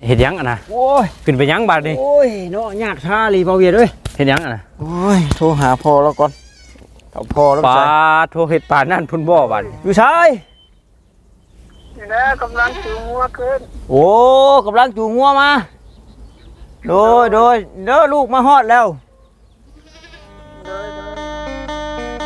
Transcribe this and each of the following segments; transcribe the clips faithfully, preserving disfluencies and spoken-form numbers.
เห็ดยังอ่ะนะโอ้ยขึ้นไปยังบาดนี่โอ้ยเนาะยากท่าลีเบาเวียดเอ้ยเห็ดยังอ่ะนะโอ้ยโทรหาพ่อแล้วก่อนเอาพ่อแล้วปลาใส่โทเห็ดปลานั่นพุ่นบ่บาดนี่อยู่ชายนี่นะกำลังจูงงัวขึ้นโอ้กำลังจูงงัวมาโดยโดยเด้อลูกมาฮอดแล้วโดยโดย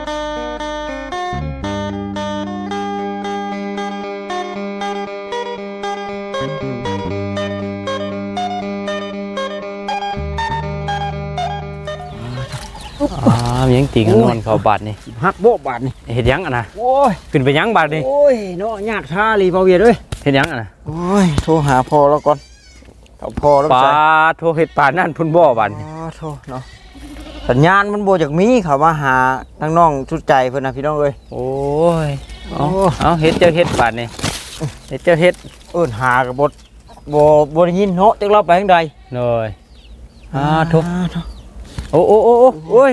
อ่ามียังติงนอนเขาบาดนี่หักโบะบาดนี่เห็ดยังอ่ะนะโอ้ยขึ้นไปยังบาดนี่โอ้ยเนาะยากท่าลีเบาเวียดเอ้ยเห็ดยังอ่ะนะโอ้ยโทรหาพ่อแล้วก่อนเอาพ่อแล้วปลาใส่โทเห็ดปลานั่นพุ่นบ่บาดนี่อ๋อโทษเนาะสัญญาณมันโบจากมีเขามาหาทั้งน้องชุดใจเพื่อนนะพี่น้องเอ้ยโอ้ยเอาโอ้เอาเห็ดเจ้าเห็ดบาดนี่เห็ดเจ้าเห็ดเอิ้นหากับบดโบโบได้ยินเนาะจักเราไปทางใดเลยอ่าทุกอ่าโถ่โอ้โอ้โอ้โอ้โอ้ย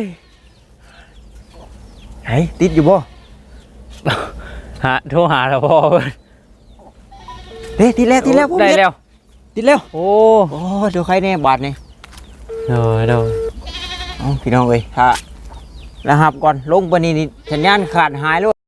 ไหนติดอยู่บ่หาโทรหาแล้วพ่อเพิ่นเฮ้ยติดแล้วติดแล้วผมได้เฮ็แล้วติดแล้วโอ้โอ้ยเดี๋ยวใครแน่บาดนี่เลยเลยเอาพี่น้องเอ้ยถ้าแล้วหับก่อนลงไปนี่นี่สัญญาณขาดหายแล้ว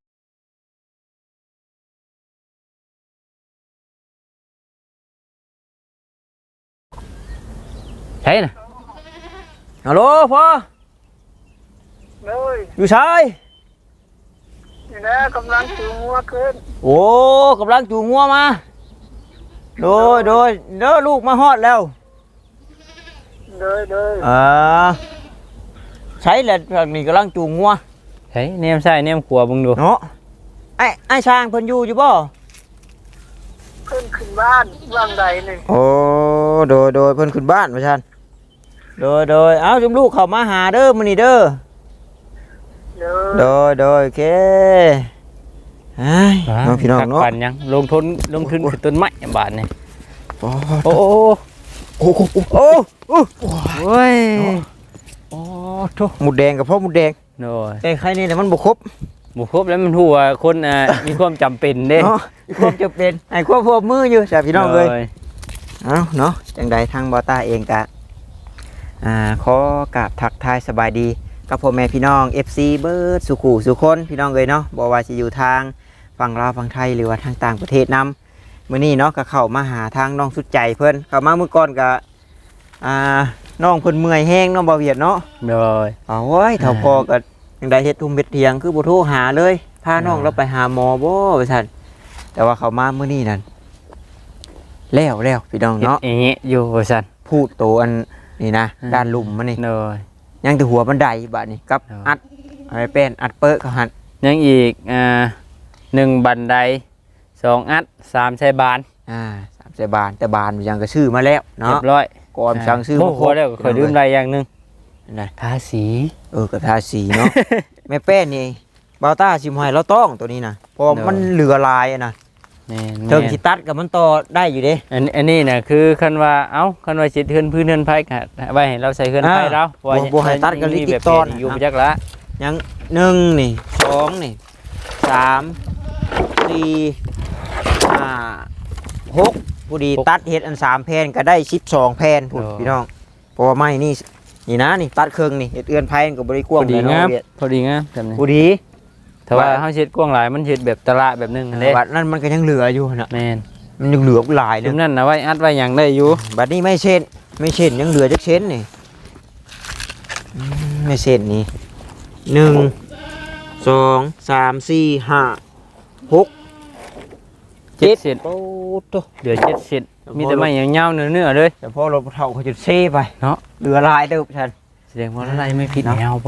ใช่น่ะฮัลโหลพ่อเลยอยู่ชายนี่นะกำลังจูงงัวขึ้นโอ้กำลังจูงงัวมาโดยโดยเด้อลูกมาฮอดแล้วโดยโดยอ่าใช้แหละทางนี้กำลังจูงงัวใช่เนียมใช่เนียมขวบมึงดูเนาะไอ้ไอ้ช้างเพิ่นอยู่อยู่บ่ขึ้นขึ้นบ้านว่างใดหนึ่งโอ้โดยโดยเพิ่นขึ้นบ้านว่าซั่นโดยโดยเอ้าจุมลูกเข้ามาหาเด้อมื้อนี้เด้อโดโดยยโดยโอเคเฮ้ยน้องพี่น้องเนาะปันยังลงทุนลงทุนคือต้นไม้บาทนี่โอ้โอ้โอ้โอ้โอ้โอ้โอ้โอ้โอ้ยโอ้ทุหมูแดงกับพ่อหมูแดงโน่ยแต่ใครนี่แต่มันบ่ครบบุครบแล้วมันหัวคนอ่ะ มีความจำเป็นเด้เนาะความจะเป็นไอ้ควบพวบมืออยู่จ้ะพี่น้องเอ้ยโดเอ้าเนาะจังใดทางบอต้าเองกะอ่าขอกราบทักทายสบายดีกับพ่อแม่พี่น้อง เอฟ ซี เบิร์ดสุขุสุคนพี่น้องเลยเนาะบอกว่าจะอยู่ทางฝั่งลาวฝั่งไทยหรือว่าทางต่างประเทศนำมื้อนี้เนาะก็เข้ามาหาทางน้องสุดใจเพิ่นเข้ามาเมื่อก่อนก็อ่าน้องเพิ่นเมื่อยแห้งเนาะบ่าวเวียดเนาะโดยเอาไว้เท่าพอก็จังใดเฮ็ดทุ่มเฮ็ดเถียงคือบ่โทรหาเลยพาน้องเราไปหาหมอบ่ว่าซั่นแต่ว่าเข้ามามื้อนี้นั่นแล้วแล้วพี่น้องเฮ็ดเนาะอย่างงี้อยู่ว่าซั่นพูดโตอันนี่นะอืมด้านลุ่มมันนี่โดยยังแต่หัวบันไดบาดนี่กับครับอัดอะไรเป็นอัดเปิดเขาหันยังอีกอ่าหนึ่งบันไดสองอัดสามใช้บานอ่าสามสิบบาทแต่บานยังก็ชื่อมาแล้วเรีเนาะยบร้อยก่อนสั่งซื้อโอ้มาโหแล้วก็เคยลืมอะไรอย่างหนึงนะทาสีเออกับทาสีเนาะ แม่แป้นนี่บาวต้าชิมให้เราต้องตัวนี้นะเพราะมันเหลือลายอะนะแม่นเทิงแม่นสิตัดกับมันต่อได้อยู่เด้อันอันนี้น่ะคือคันว่าเอ้าคันว่าสิเทือนพื้นเทือนไผก็ไว้ให้เราใส่เทือนไผอ่าเราเพราะว่าบ่บ่ให้ตัดกับลิมีติแบบตอนเปลี่ยอยู่นะบ่จักละยังหนึ่งนี่สองนี่สามสี่ห้าหกผู้ดีตัดเห็ดอันสามแผ่นก็ได้สิบสองแผ่นพุ่นพี่น้องเพราะว่าไม้นี่นี่นะนี่ตัดเครื่องนี่เห็ดเอือนไผ่กับบริกพวางอดีเลยเนาะงามเวียดพอดีงามแบบนี้ผู้ดีถ้าว่าว่าเฮาเฮ็ดกว้างหลายมันเฮ็ดแบบตะละแบบนึงอันเด้บัดนั้นมันก็ยังเหลืออยู่นะแม่นมันยังเหลือหลายจุเนมยนั้นน่ะไว้อัดไว้หยังได้อยู่บัดนี้ไม่เช่นไม่เช่นยังเหลือจักเช่นนี่อืมไม่เช่นนี่หนึ่งสองสามสี่ห้าหกเจ็ดเซนโอ้โตเหลือเจ็ดเซนมีแต่ไม้ยาวๆเนื้อๆเลยแต่พอเราเท่าเขาจะเซ่ไปเนาะเหลือหลายเด้อฉันแสดงว่าอะไรไม่ผิดแนวบ่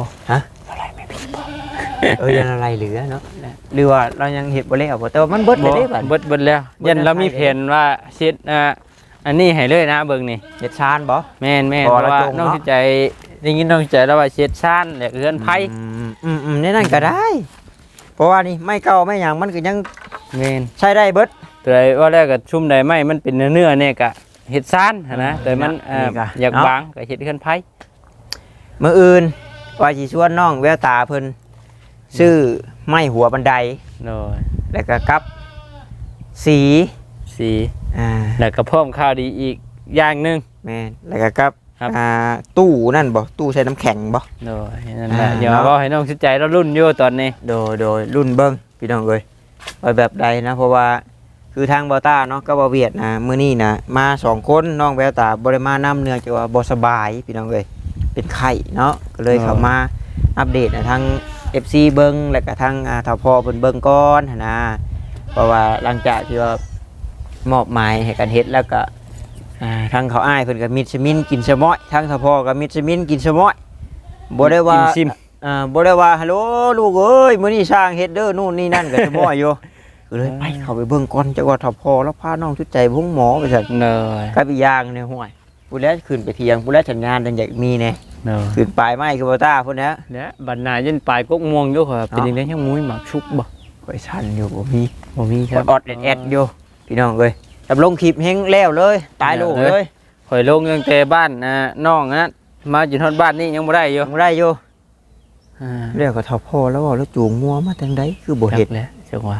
เออยังอะไรเหลือเนาะหรือว่าเรายังเห็ดบ่แล้วบ่แต่ว่ามันเบิดไปบ่ได้บัดเบิดเบิดแล้วเบิดยันเราแล้วมีใช่แผนว่าเช็ดอ่าอันนี้ให้เลยนะเบิ่งนี่เห็ดชานบ่แม่นแม่นพเพอราะแล้วว่าจงน้องเนาะสิใจได้ยินน้องสิใจแล้วว่าเช็ดซ่านแหละเรือนไผอืมอืมอืมในนั่นก็ได้ เพราะว่านี่ไม่เก่าไม่หยังมันก็ยังแม่นใช้ได้เบิดแต่ว่าแรกก็ชุ่มได้ไหมมันเป็นเนื้อๆเนี่ยก็เฮ็ดซ่านหั้นนะแต่มันเอ่อนี่ก็อยากเนาะบางก็เฮ็ดเรือนไผมื้ออื่นว่าสิชวนน้องแววตาเพิ่นซื้อไม้หัวบันไดโดยแล้วก็กับสีสีออ่าแล้วก็เพิ่มข่าวดีอีกอย่างหนึงแม่นแล้วก็กับครับอ่าตู้นั่นบ่ตู้ใช้น้ำแข็งบ่โดยนั่นแหละอ่าอย่าเนาะว่าให้น้องชิดใจเรารุ่นอยู่ตอนนี้โดยโดยรุ่นเบิ้งพี่น้องเอ้ยว่าแบบใดนะเพราะว่าคือทางเบาต้าเนาะก็บ่เวียดนะมื้อนี้นะมาสองคนน้องแววตาบ่ได้มานํเนื่องจากว่าบ่สบายพี่น้องเอ้ยเป็นไข้เนาะก็เลยเข้ามาอัปเดตให้ทาง เอฟ ซี เบิ่งแล้วก็ทางอ่าทพเพิ่นเบิ่งก่อนหันนะเพราะว่าหลังจากที่ว่ามอบหมายให้กันเฮ็ดแล้วก็อ่าทางเขาอ้ายเพิ่นก็มิดสมินกินสะม้อยทางทพก็มิดสมินกินสะม้อยบ่ได้ว่ากินซิมอ่าบ่ได้ว่าฮัลโหลลูกเอ้ยมื้อนี้สร้างเฮ็ดเด้อนู่นนี่นั่นก็จะบ่อยู่ ก็เลยไปเข้าไปเบิ่งก่อนจักว่าถ้าพอแล้วพาน้องชุดใจพุ่งหมอไปซั่นเนยกับอีกอย่างเนี่ยห่วยผู้แล้วขึ้นไปเที่ยงผู้แล้วจัดงานจังอยากมีแน่เนยขึ้นปลายไม้คือบ่ตาพุ่นนะเนี่ยบัดหนายันปลายกกม่วงอยู่ครับเป็นเนาะยังไงยังมุ้ยหมักชุบบ่ข่อยชันอยู่บ่มีบ่มีครับออดๆแอดๆอยู่พี่น้องเอ้ยจับลงคลิปเฮงแล้วเลยตายโลกเลยข่อยลงตั้งแต่บ้านอ่าน้องนะมาจนฮอดบ้านนี่ยังบ่ได้อยู่ยังบ่ได้อยู่อ่าเรียกก็ถ้าพอแล้วว่าแล้วจูงงัวมาจังไดคือบ่เฮ็ดจักแล้วจังว่า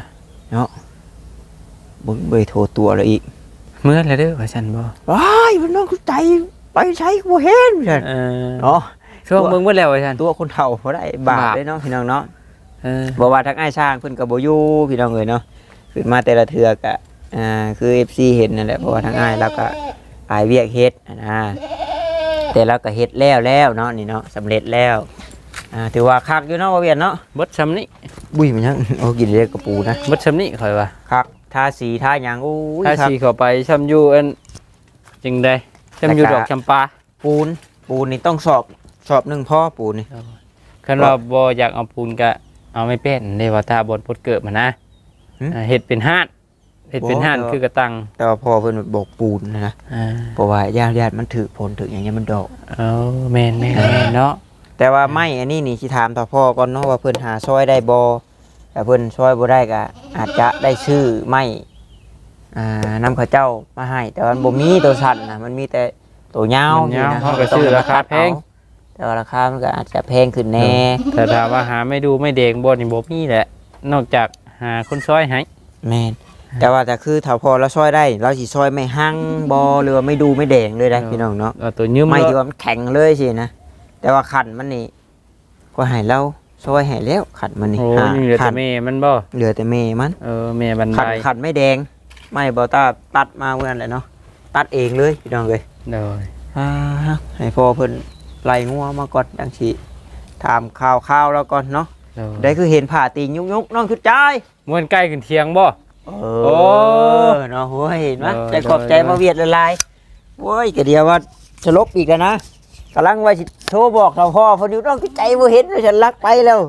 บ่เบ่โทรตัวแล้วอีกเมื่อแล้วเด้อว่าซั่นบ่ว้ายมันน้องชุดใจไปใช้บ่เห็นซั่นเออเนาะช่วงเบิ่งเบิดแล้วว่าซั่นตัวคนเฒ่าบ่ได้บาปบาปเด้เนาะพี่น้องเนาะเออบอกว่าทักไอ้ายช่างเพิ่นกับโบอยูพี่น้องเอ๋ยเนาะขึ้นมาแต่ละเทือกะอ่าคือ เอฟ ซี เห็นนั่นแหละเพราะว่าทั้งอ้ายแล้วก็อายเวียกเฮ็ดอะนะแต่เราก็เฮ็ดแล้วแล้วเนาะนี่เนาะสำเร็จแล้วอ่าถือว่าคักอยู่เนาะบ่เวียนเนาะเบิดซำนี้บุ้ยมันยังโอ้กินเรียกกระปูนะเบิดซำนี้ข่อยว่าคักทาสีทาหยังโอ้ยถ้าคักสิเข้าไปซำอยู่อันจังได๋ซำอยู่ดอกจำปาปูนปูนนี่ต้องสอบสอบหนึ่งพ่อปูนนี่คันว่าบ่อยากเอาปูนก็เอาไม่เป็นเด้ว่าถ้าบ่พดเกิดมานะอ่าเฮ็ดเป็นห้านเฮ็ดเป็นห้านคือกระตังแต่ว่าพ่อเพิ่นบอกปูนนะนะอ่าเพราะว่าญาติญาติมันถือผลถืออย่างเงี้ยมันดอกเอาแม่นแม่นแม่นเนาะแต่ว่าไม่อันนี้นี่สิถามต่อพ่อก่อนเนาะว่าเพิ่นหาซอยได้บ่แต่เพิ่นซอยบ่ได้ก็อาจจะได้ชื่อไม่อ่านำเข้าเจ้ามาให้ แต่ว่ามันบ่มีตัวสั้นนะมันมีแต่ตัวยาวมันยาวนี่นะเขาก็ซื้อราคาแพงแต่ว่าราคามันก็อาจจะแพงขึ้นแน่แต่ถามว่าหาไม่ดูไม่เด้งบ่นี่บ่มีแหละ นอกจากหาคนซอยให้แม่นแต่ว่าแต่คือถ้าพอเราซอยได้เราสิซอยไม่หั่งบ่หรือว่าไม่ดูไม่แดงเลยนะพี่น้องเนาะเอาตัวยืมไม่เลที่ยว่ามันแข็งเลยสินะแต่ว่าขันมันนี่ก็ให้เราซอยให้แล้วขันมันนี่โอ้หานี่เหลือขัแต่นแม่มันบ่เหลือแต่เมมันเออแม่บันขัไดนขันไม่แดง ไม่บอต้าตัดมาเมื่อนั้นแหละเนาะตัดเองเลยพี่น้องเลยโดยอ่าให้พ่อเพิ่นไล่งัวมาก่อนดังสิถามข่าวข่าวแล้วก่อนเนาะโดยได้คือเห็นผ่าตีนยุกยุกน้องคือใจายม่วนใกล้ขึ้นเที่ยงบ่เอโอ้อเนาะโว้ยเห็นไหมเออใจขอบใจเออมาเวียดละลายโว้ยกะเดียวว่าจะลบอีกแล้วนะกำลังว่าสิโทรบอกเราพ่อเพอดีน้องคือใจบ่เห็นเลยฉันลักไปแล้ว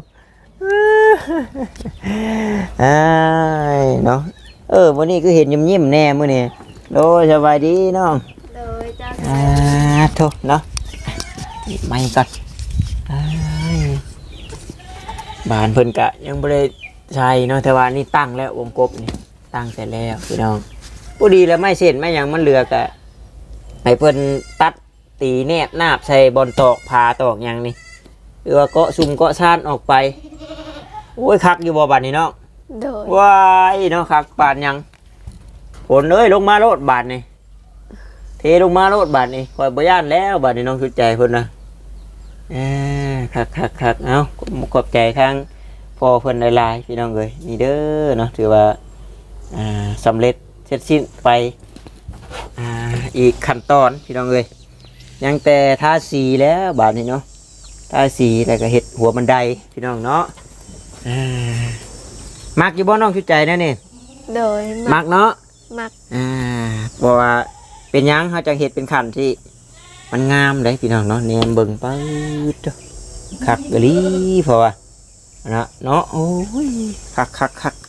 อ้ายเนาะเออวันนี้คือเห็นยิ้มยิ้มๆแน่มื้อนี้โดยสบายดีน้องเลยจ้าอ่าโทษเนาะไม่ก่อนอ้ายบ้านเพิ่นกะยังบ่ได้ใช่เนาะแต่ว่านี่ตั้งแล้ววงกบนี่ตั้งเสร็จแล้วพี่น้องผู้ดีแล้วไม่เสร็จไม่หยังมันเหลือกะให้เพิ่นตัดตีแนบนาบใส่บอลตอกพาตอกหยังนี่หรือว่าเกาะซุ่มเกาะซ่านออกไปโอ้ยคักอยู่บ่บัดนี้เนาะโดยว้ายเนาะคักบาดหยังฝนเอ้ยลงมาโลดบาดนี่เทลงมาโลดบาดนี่คอยบ่ย่านแล้วบาดนี่น้องชุดใจเพิ่นนะเอ้อคักคักคักเอ้าขอบใจทางพ่อเพิ่นหลายๆพี่น้องเอ้ยนี่เด้อเนาะถือว่าอ่าสำเร็จเสร็จสิ้นไปอ่าอีกขั้นตอนพี่น้องเอ้ยยังแต่ทาสีแล้วบาดนี้เนาะทาสีแล้วก็เฮ็ดหัวบันไดพี่น้องเนาะอ่ามักอยู่บ่น้องชุดใจนะนี่โดยมักเนาะมักอ่าเพราะว่าเป็นหยังเขาจะเฮ็ดเป็นขันที่มันงามเลยพี่น้องเนาะแนมเบิ่งปื๊ดเด้อคักกะลีเพราะว่านะเนาะโอ้ยคักคักคัก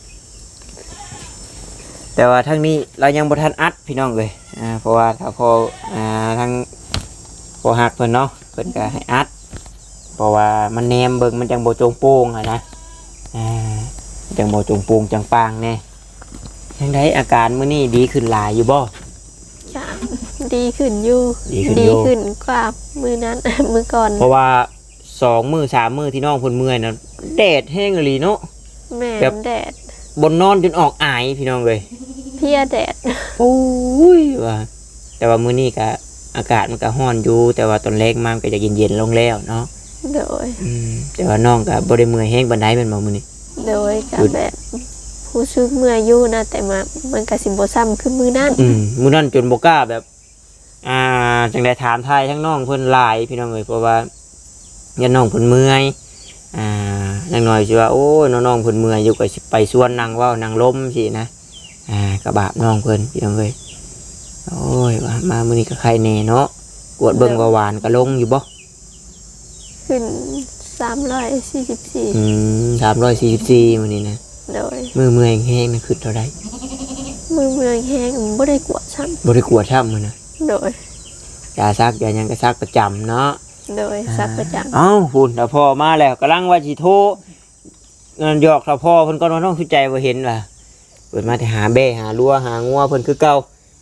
แต่ว่าทั้งนี้เรายังบ่ทันอัดพี่น้องเลยอ่าเพราะว่าถ้าพออ่าทั้งพอหักเพิ่นเนาะเพิ่นก็ให้อัดเพราะว่ามันแนมเบิ่งมันจังบ่โจงโป่งอะนะอ่าจังบ่โจงโป่งจังปางแน่ยังไดอาการมื้อนี้ดีขึ้นหลายอยู่บ่จ้าดีขึ้นอยู่ดีขึ้นอยู่ขึ้นกว่ามือนั้น มือก่อนเพราะว่าสองมือสามมือที่น้องเพิ่นเมื่อยนะแดดแห้งอีหลีเนาะแม่แบบแดดบนนอนจนออกอายพี่น้องเลยเพลียแดดโอ้ยว่าแต่ว่ามื้อนี้ก็อากาศมันก็ร้อนอยู่แต่ว่าตอนแรกมามันก็จะเย็นๆลงแล้วเนาะโดยอืมแต่ว่าน้องก็บ่ได้เมื่อยแฮงปานใดแม่นบ่มื้อนี้โดยกับแบบผู้ซึกเมื่อยอยู่นะแต่มามันก็สิบ่ซ้ำคือมือนั่นอืมมื้อนั้นจนบ่กล้าแบบ อ่าจังได้ถามทายทั้งน้องเพิ่นหลายพี่น้องเอ้ยเพราะว่ายันน้องเพิ่นเมื่อยอ่านางน้อยสิว่าโอ้ยน้องๆเพิ่นเมื่อยอยู่ก็สิไปสวนนางเว้านางล้มสินะอ่ากระบาบน้องเพิ่นพี่น้องเอ้ยโอ้ยว่ามามื้อนี้ก็ใครแน่เนาะกวดเบิ่งว่าหวานก็ลงอยู่บ่ขึ้นสามร้อยสี่สิบสี่อืมสามร้อยสี่สิบสี่มื้อนี้นะโดยมือเมื่อยแห้งๆนะขึ้นเท่าใดมือเมืองแห้งบ่ได้กวดซ้บ่ได้กวดช้ำมื้อนะำโดยยาซักยาหยังก็ซักประจำเนาะโดยซักประจเอ้าพุ่นถ้าพ่อมาแล้วกำลังว่าสิโทรเงินหยอกถ้าพ่อเพิ่นก็บ่ต้องเข้าใจว่าเห็นว่าเปิดมาแต่หาแบ่หาลัวหางัวเพิ่นคือเก่า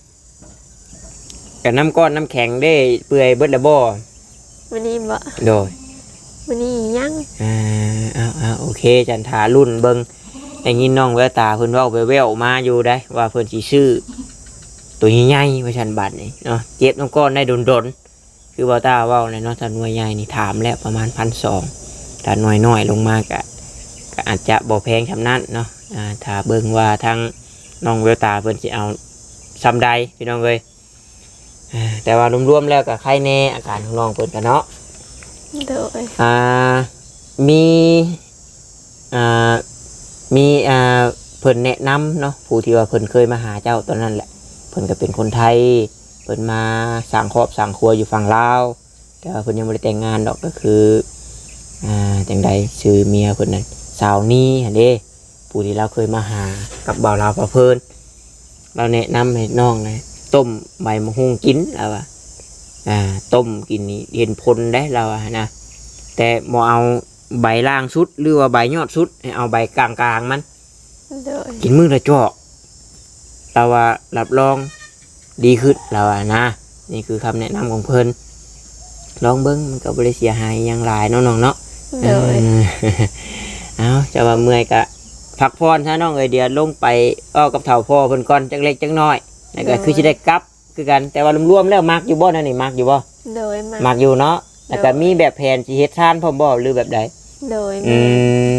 กับน้ำก้อนน้ำแข็งได้เปื่อยเบิดละบ่ำวันนี้บ่โดยวันนี้ยังอ่าเอาเอาโอเคจันทารุ่นเบิ่งได้ยินน้องแววตาเพิ่นเว้าแว่วๆมาอยู่ได้ว่าเพิ่นสิซื้อตัวใหญ่ๆว่าซั่นบัดนี่เนาะเจ็บน้ำก้อนได้ดนๆคือบ่าวตาเว้าเลยเนาะถ้าหน่วยใหญ่นี่ถามแล้วประมาณ หนึ่งพันสองร้อย ถ้าหน่วยน้อยลงมาก็ก็อาจจะบ่แพงซำนั้นเนาะอ่าถ้าเบิ่งว่าทางน้องแววตาเพิ่นสิเอาซ้ำใดพี่น้องเอ้ยอ่าแต่ว่ารวมๆแล้วก็ไข้แน่อาการของน้องเพิ่นก็เนาะโดยอ่ามีอ่ามีอ่าเพิ่นแนะนำเนาะผู้ที่ว่าเพิ่นเคยมาหาเจ้าตอนนั้นแหละเพิ่นก็เป็นคนไทยเพิ่นมาสร้างครอบสร้างครัวอยู่ฝั่งลาวแต่ว่าเพิ่นยังบ่ได้แต่งงานดอกก็คืออ่าจังใดชื่อเมียเพิ่นนั่นสาวนี้หั่นเด้ผู้ที่เราเคยมาหากับบ่าวลาวพะเพิ่นเราแนะนำให้น้องนะต้มใบมะฮุ่งกินแล้วว่าอ่าต้มกินนี่เห็นผลได้เราอะนะแต่บ่เอาใบล่างสุดหรือว่าใบยอดสุดให้เอาใบกลางๆมันโดยกินมื้อละจอกเราว่ารับรองดีขึ้นเราว่านะนี่คือคำแนะนำของเพิ่นลองเบิ้งมันก็บ่ได้เสียหายหยังหลายเนาะน้องเนาะโดยเออ เอาจะว่าเมื่อยก็พักผ่อนซะน้องเอ้ยเดี๋ยวลงไปอ้อกับเฒ่าพ่อเพิ่นก่อนจักเล็กจักน้อยแล้วก็คือสิได้กลับคือกันแต่ว่ารวมๆแล้วมักอยู่บ่นั่นนี่มักอยู่บ่โดยมามักอยู่เนาะแล้วก็มีแบบแผนสิเฮ็ดทานพร้อมบ่หรือแบบใดโดยอืมาม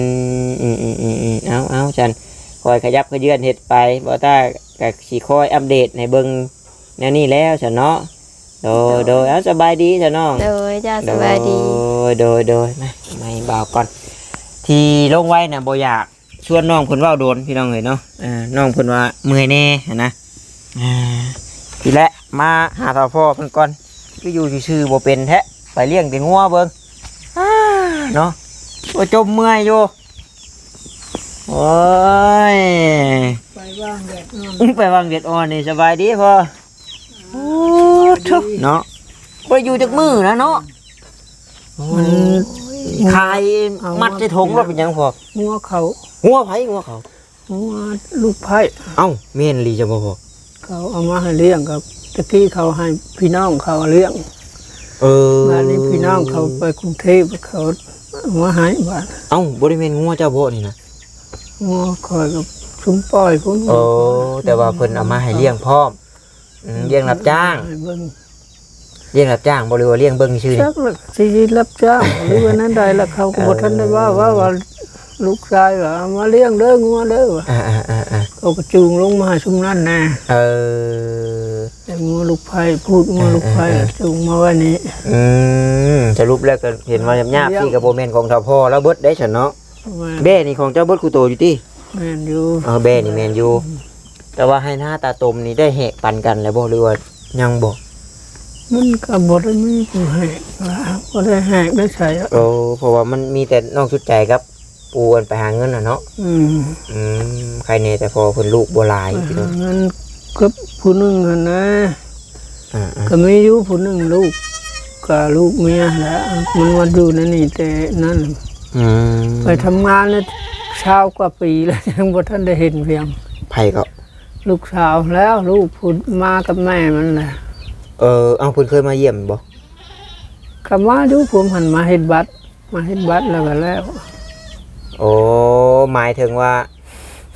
อืมอืมอืมอืมเอาเอาจันคอยขยับขยื่นเห็ดไปบ่ต้ากับสีคอยอัปเดตในเบิงแนวนี้แล้วฉันเนาะโดยโดยเอาสบายดีฉันน้องโดยจ้าสบายดีโดยโดยมาไม่บ่าวก่อน ที่ลงไว้น่ะบ่อยากชวนน้องเพิ่นเว้าโดนพี่น้องเอ้ยเนาะอ่าน้องเพิ่นว่าเมื่อยแน่หั้นนะอ่าทีแรกมาหาท่าพ่อเพิ่นก่อนคืออยู่ซื่อๆบ่เป็นแท้ไปเลี้ยงแต่งัวเบิ่งอ่าเนาะ ว่าจมเมื่อยอยู่โอ้ยไปว่างแดดนอนไปวางเด็ดอ่อนนี่สบายดีพอโอ้ทุกเนาะไปอยู่จากมือนะเนาะมันคายมัดใส่ถุงรถเป็นหยังพอหัวเขาหัวไผหัวเขาหัวลูกไผ่เอ้าเมนลีจะบ่พอเขาเอามาให้เลี้ยงกับตะกี้เขาให้พี่น้องเขาเลี้ยงเออบ้านนี้พี่น้องเขาไปกรุงเทพเขาเอามาให้บ้านเอ้าบ่ได้แม่นงัวเจ้าบ่นี่นะหัวคอยกับชุมปล่อยพุ่นโอ้แต่ว่าเพิ่นเอามาให้เลี้ยงพร้อมอืมเลี้ยงรับจ้างให้เบิ่งเลี้ยงรับจ้างบ่หรือว่าเลี้ยงเบิ่งชื่อนี่จักละสิรับจ้างหรือว่านั้นใดละเขาก็บ่ทันได้ว่าว่าว่าลูกชายว่าเอามาเลี้ยงเด้องัวเด้อว่ะอ่าๆๆเขาก็จูงลงมาให้ชุมนั่นแน่ๆเออแต่งัวลูกไผ่พูดงัวลูกไผ่จูงมาไว้นี้อืมสรุปแล้วก็เห็นว่าหยาบๆที่กับโบแมนของเจ้าพ่อแล้วเบิดได้ฉันเนาะแม่นเบ้นี่ของเจ้าเบิดคูโตอยู่ที่แม่นอยู่เออเบ้นี่แมนอยู่แต่ว่าให้หน้าตาตมนี่ได้แหกปันกันแล้วบ่หรือว่ายังบ่มันก็บ่ได้มีผู้ให้ว่าบ่ได้แหกได้ใส่อะโอ้เพราะว่ามันมีแต่น้องชุดใจครับปูกันไปหาเงินน่ะเนาะอืมอืมใครแน่แต่พอเพิ่นลูกบ่หลายไปพี่หาน้องเงินกับผู้หนึงหั่นนะอ่าก็มีอยู่ผู้หนึงลูกกับลูกเมียแหละมันมาอยู่นั่นนี่แต่นั่นๆอืมไปทำงานแล้วเช้ากว่าปีแล้ว ยังบ่ทันได้เห็นเพียงไผก็ลูกสาวแล้วลูกพูดมากับแม่มันแหละเออเอ้าเพิ่นเคยมาเยี่ยมบ่ก็มาอยู่ผมหันมาเฮ็ดบัตรมาเฮ็ดบัตรแล้วก็แล้วโอ้หมายถึงว่า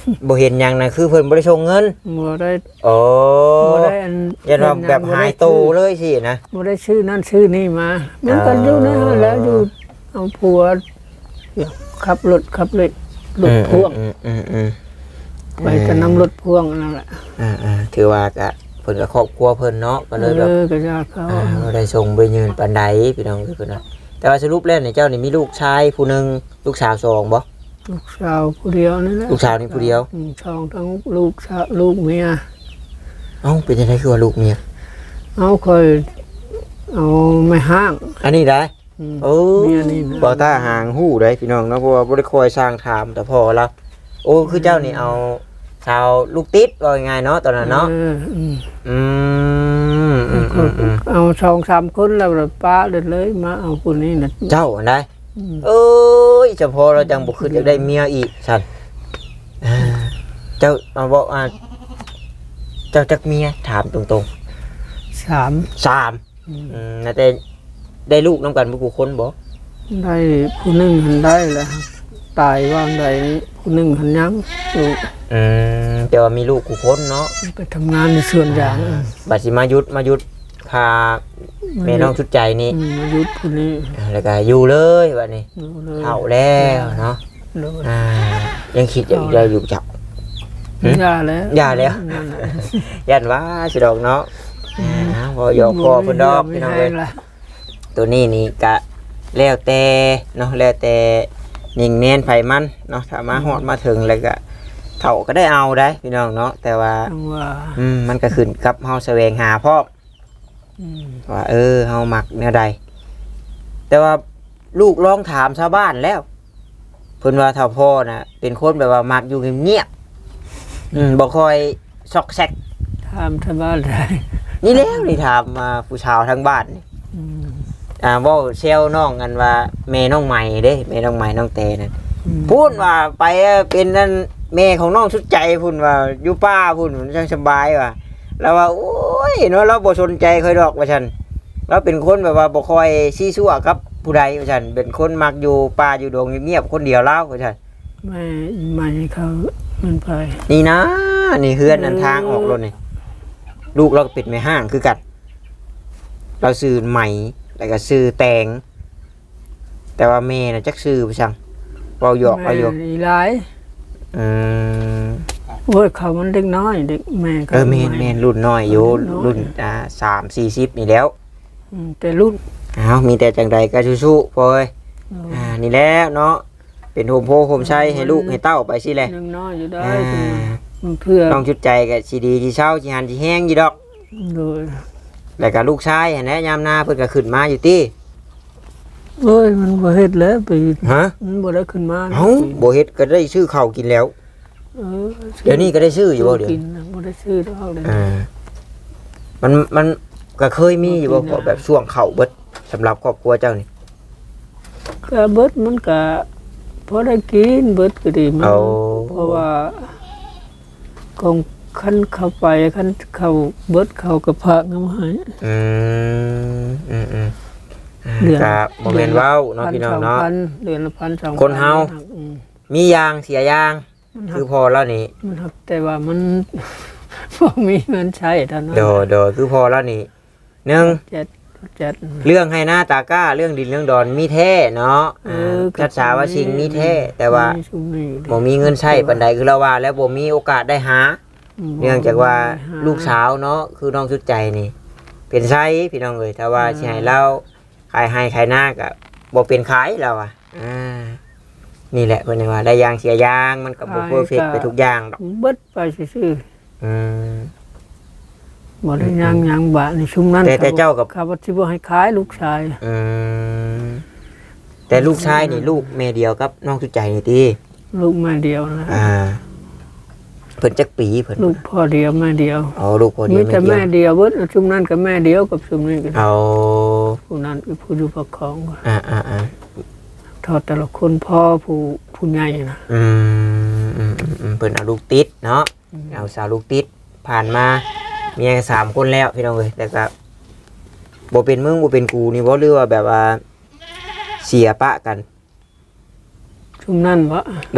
บ่เห็นหยังน่ะคือเพิ่นบ่ได้ส่งเงินบ่ได้โอ้บ่ได้อันยันว่าแบบหายโตเลยสินะบ่ได้ชื่อนั่นชื่อนี่มามันก็อยู่นั่นแล้วอยู่เอาผัวขับรถขับเลยรถพ่วงอืมอืมอืมไปจะนำรถพ่วงนั่นแหละอ่าอ่าถือว่าก็เพิ่นก็ครอบครัวเพิ่นเนาะก็เลยแบบเออก็จะเขาอ่าบ่ได้ส่งไปยืนปานใดพี่น้องคือเพิ่นว่าแต่ว่าสรุปแล้วนี่เจ้านี่มีลูกชายผู้หนึงลูกสาวสองบ่ลูกสาวผู้เดียวนี่แหละลูกสาวนี่ผู้เดียวอืมช่องทั้งลูกสาวลูกเมียเอ้าเป็นจังได๋คือว่าลูกเมียเอาคอยเอาไม่ห้างอันนี้ได้อืมโอ้เมียนี่นะบ่ตาหางหู้ได้พี่น้องเนาะเพราะว่าบ่ได้คอยสร้างถามแต่พอแล้วโอ้คือเจ้านี่เอาชาวลูกติดว่าง่ายๆเนาะตอนนั้นเนาะเอออืมอืมอืมอืมอืมเอาสองสามคนแล้วเราป้าเลยเลยมาเอาคนนี้นะเจ้าอันใดอืมเอ้ยเฉพาะเราจังบ่ขึ้นจะได้เมียอีกสั่นอ่าเจ้าเอาบอกอ่าเจ้าจักเมียถามตรงสามๆสามอืมน่าแต่ได้ลูกนํกันบ่กูคนบ่ได้ผู้หนึ่งหันได้แล้วตายว่างใดผู้หนึ่งหันยังลูกอืมแต่ว่ามีลูกกูคนเนาะไปทำงานในส่วนอย่างบัดสิมายุดมายุดพาแม่น้องชุดใจนี่อืมมายุดผู้นี้แล้วก็อยู่เลยบัดนี้ดูเลยเฒ่าแล้วเนาะเลยอ่ายังคิดอยากจะอยู่จับ หืมยาแล้วย่าแล้วนั่นแหละยันว่าสิดอกเนาะอ่าพอหยอกคอเพิ่นดอกพี่น้องเอ้ยไม่ให้ละตัวนี้นี่กะแล้วแต่เนาะแล้วแต่ยิงเน้นไผมันเนาะถ้ามาฮอดมาถึงแล้วก็เฒ่าก็ได้เอาได้พี่น้องเนาะแต่ว่าจังว่าอืมมันก็ขึ้นกับเฮาแสวงหาพร้อมอืมว่าเออเฮามักแนวใดแต่ว่าลูกลองถามชาวบ้านแล้วเพิ่นว่าเฒ่าพ่อน่ะเป็นคนแบบว่ามักอยู่เงียบๆอืมบ่ค่อยซอกแซกทำทำบ้านได้นี่แล้วนี่ถามมาผู้ชาวทั้งบ้านนี่อืมอ่าเว่าเซลน้องกันว่าแม่น้องใหม่เด้แม่น้องใหม่น้องเตนั่นอืมพูดว่าไปเป็นนั่นแม่ของน้องชุดใจพูดว่าอยู่ป้าพูดมันช่างสบายว่ะแล้วว่าโอ้ยเนาะเราบ่สนใจค่อยดอกว่าฉันเราเป็นคนแบบว่าบ่ค่อยซี้ซั่วกับผู้ใดว่าฉันเป็นคนมักอยู่ป่าอยู่ดงเงียบๆคนเดียวเล่าว่าฉันไม่ไม่ให้เขามันไปนี่นะนี่เฮือนอันทางออกรถนี่ลูกเราก็ปิดไม่ห้างคือกันเราซื้อใหม่แล้วก็ซื้อแตงแต่ว่าแม่น่ะจักซื้อไปสั่งเว้าหยอกเอาอยู่แม่อีหลายอืมโอ้ยเขามันเด็กน้อยเด็กแม่เขาเออแม่นแม่นรุ่นน้อยอยู่รุ่รุ่นนน้อยอ่าสามสี่สิบนี่แล้วอืมแต่รุ่นอ้าวมีแต่จังใดก็สู้ๆพอเอ้ยอ่านี่แล้วเนาะเป็นโฮมโพโฮมชัยให้ลูกให้เต้าไปสิแหละยังน้อยอยู่ได้อ่าเพื่อน้องชุดใจก็สิดีสิเศร้าสิหันสิแห้งอยู่ดอกโดยแล้วก็ลูกชายหันแหละยามหน้าเพิ่นก็ขึ้นมาอยู่ติเอ้ยมันบ่เฮ็ดแล้วไปฮะมันบ่ได้ขึ้นมานะเอ้าบ่เฮ็ดก็ได้ซื้อข้าวกินแล้วเออเดี๋ยวนี้ก็ได้ซื้ออยู่บ่เดี๋ยวกินนะบ่ได้ซื้อดอกเลยอ่ามันมันก็เคยมีอยู่บ่พอแบบช่วงเข้าเบิดสำหรับครอบครัวเจ้านี่ก็เบิดมันก็พอได้กินเบิดก็ดีมันเอาเพราะว่าของคันเข้าไปคันเข้าเบิดเข้ากับพระงามหายอืมอืมอืมเดือนครับโมเมนต์ว้าวเนาะพี่น้องเนาะพัสเดือนละพันสองพัคนเฮาอืมมียางเสียยางมันหัคืกอพอแล้วนี่มันหักแต่ว่ามัน บ่มีเงินใช้เท่านั้นโดโดคือพอแล้วนี่หนึ่งเจ็ดเจ็ดเรื่องให้หน้าตาก้าเรื่องดินเรื่องดอนมีแท้เนาะเออ่าอชัดสาว่าชิงมีแท้แต่ว่ามีซุมนี้อยู่ดิบ่มีเงินใช้ปันใดคือเราว่า แล้วบ่มีโอกาสได้หา เนื่องจากว่าลูกสาวเนาะคือน้องชุดใจนี่ เป็นไซพี่น้องเอ้ยถ้าว่าสิให้เราขายให้ขายหน้าก็บ่เป็นขายเราอ่ะอ่านี่แหละเพิ่นว่าได้ยางเสียยางมันก็บ่เพอร์เฟกต์ไปทุกอย่างดอกเบิดไปซื่ออืมๆบ่ได้ยางยางบะในชุมนั้นแต่แต่เจ้ากับข้าพเจ้าให้ขายลูกชายอืมแต่ลูกชายนี่ลูกแม่เดียวกับน้องชุดใจนี่ติลูกแม่เดียวนะอ่าเพิ่นจักปีเพิ่นลูกพ่อเดียวแม่เดียวเอาลูกคนมีเดียวแต่แม่เดีแม่ยวเดียวเบิดชุมนั้นกับแม่เดียวกับชุมนี้กันเอาผู้นั้นคือผู้อยู่ประคองอ่าอ่าอ่าทอดแต่ละคนพ่อผู้ผู้ใหญ่นะอืมอืมอืมอืมเพิ่นเอาลูกติดเนาะเอาสาวลูกติดผ่านมาเมียสามคนแล้วพี่น้องเอ้ยแต่ก็บ่เป็นมึงบ่เป็นกูนี่บ่หรือว่าแบบว่าเสียปะกันชุมนั้นวะโดย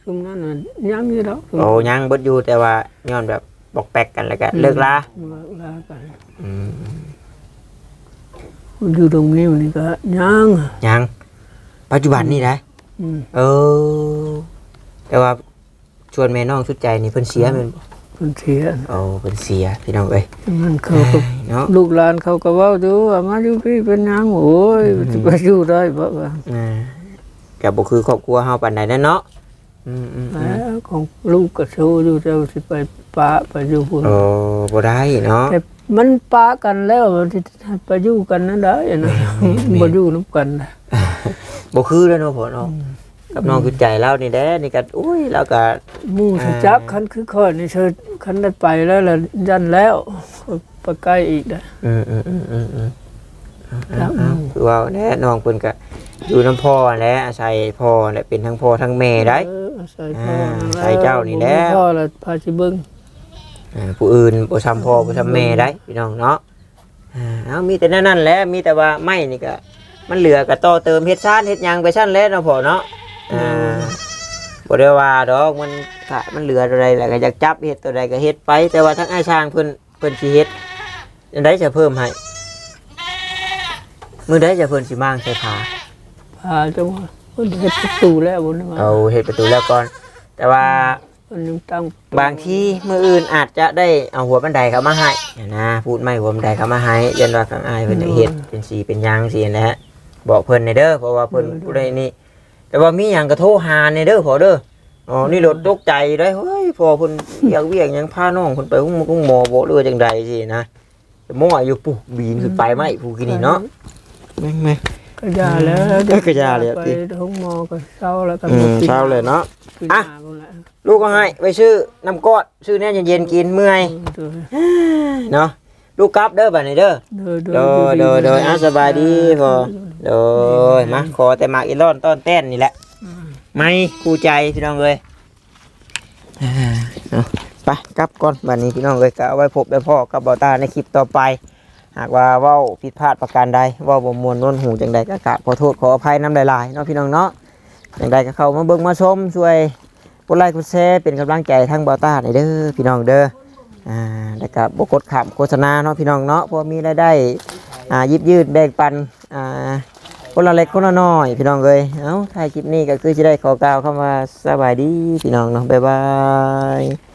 ซุมนั้นน่ะยังอยู่ดอกโอ้ยังเบิดอยู่แต่ว่าย้อนแบบบอกแปลกกันแล้วก็เลิกลาเลิกลากันอืมอยู่ตรงนี้นี่ก็ยังยังปัจจุบันนี่นะอืมเออแต่ว่าชวนแม่น้องสุดใจนี่เพิ่นเสียแม่นบ่เพิ่นเสียโอ้เพิ่นเสียพี่น้องเอ้ยมันเขาก็เนาะลูกหลานเขาก็เว้าดูว่ามาอยู่พี่เป็นหยังโอ้ยจะไปอยู่ได้บ่ว่าอ่าก็บ่คือครอบครัวเฮาปานใดนั่นเนาะอืมๆแหมของลูกก็โชว์อยู่เจ้าสิไปปะไปอยู่พุ่นๆโอ้บ่ได้เนาะแต่มันปะกันแล้วมันสิไปอยู่กันนั่นได้นะบ่อยู่นํกันนะบ่คือแล้วเนาะพ่อเนาะกับน้องคือใจเรานี่แหละนี่ก็อุ้ยเราก็หมู่สิจักคันคือค่อยนี่เชิญคันได้ไปแล้วล่ะยันแล้วไปใกล้อีกนะอืมอืมอืมอืมอืมครับเอาๆคือว่าแน่น้องเพิ่นก็อยู่น้ำพ่อแหละอาศัยพ่อแหละเป็นทั้งพ่อทั้งแม่ได้เออใส่พ่ออ่าใส่เจ้านี่แหละพ่อแล้วพาสิเบิ่งอ่าผู้อื่นบ่ทำพ่อบ่ทำแม่ได้พี่น้องเนาะอ่าเอามีแต่นั่นๆแหละมีแต่ว่าไม้นี่ก็มันเหลือก็ต่อเติมเฮ็ดซ่านเฮ็ดหยังไปซั่นแหล้วเนาะพ่อเนาะอ่าบ่ได้ว่าดอกมันถ้ามันเหลือตัวใดแล้วก็อยากจับเฮ็ดตัวใดก็เฮ็ดไป แต่ว่าทั้งอ้ายช่างเพิ่นเพิ่นสิเฮ็ดอันใดจะเพิ่มให้มื้อใดจะเพิ่นสิมางใส่ผาพาจังว่าเพิ่นเฮ็ดประตูแล้วบ่นะว่าเอาเฮ็ดประตูแล้วก่อน แต่ว่าเพิ่นยังตั้งบางทีมื้ออื่นอาจจะได้เอาหัวบันไดเข้ามาให้เนี่ยนะพูดไม่หัวบันไดเข้ามาให้ยันว่าข้างอ้ายเพิ่นจะเฮ็ดเป็นสีเป็นหยังสินะฮะบอกเพิ่นในเด้อเพราะว่าเพิ่นผู้ใดนี่แต่ว่ามีหยังก็โทรหาในเด้อพอเด้ออ๋อนี่รถตกใจได้เฮ้ยพอเพิ่นเวียกเวียกหยังพาน้องเพิ่นไปหุ้มหุ้มหมอบ่หรือว่าจังใดสินะมั่วอยู่ปุ๊บบีนขึ้นไปไหมผู้กินนี่เนาะแม่งก็ยาแล้วเออก็ยาแล้วไปพี่ห้องหมอก็เช้าแล้วก็ๆอืมเช้าเลยเนาะกินอ่ะยาพุ่นแหละลูกก็ให้ไปซื้อน้ำกอดซื้อแน่เย็นๆกินเมื่อยเออเนาะลูกกลับเด้อบัดนี้เด้อเออโดยโดยโดยอ่ะสบายดีพอโดยมาขอแต่หมากอีรอนต้อนแต้นนี่แหละไม่คู่ใจพี่น้องเลยอ่าเนาะไปกลับก่อนบัดนี้พี่น้องเลยก็เอาไว้พบได้พ่อกับเบาตาในคลิปต่อไป หากว่าเว้าผิดพลาดประการใดเว้าบ่มวนโน้นหูจังใดก็กราบขอโทษขออภัยน้ำหลายๆเนาะพี่น้องเนาะจังใดก็เข้ามาเบิ่งมาชมช่วยกดไลค์กดแชร์เป็นกำลังใจทั้งเบาตาในเด้อพี่น้องเด้ออ่าแล้วก็บ่กดข้ามโฆษณาเนาะพี่น้องเนาะเพราะมีรายได้อ่ายิบยืดแบ่งปันอ่าคนละเล็กคนละน้อยพี่น้องเอ้ยเอ้าถ่ายคลิปนี้ก็คือสิได้ขอกล่าวคำว่าสบายดีพี่น้องเนาะบ๊ายบาย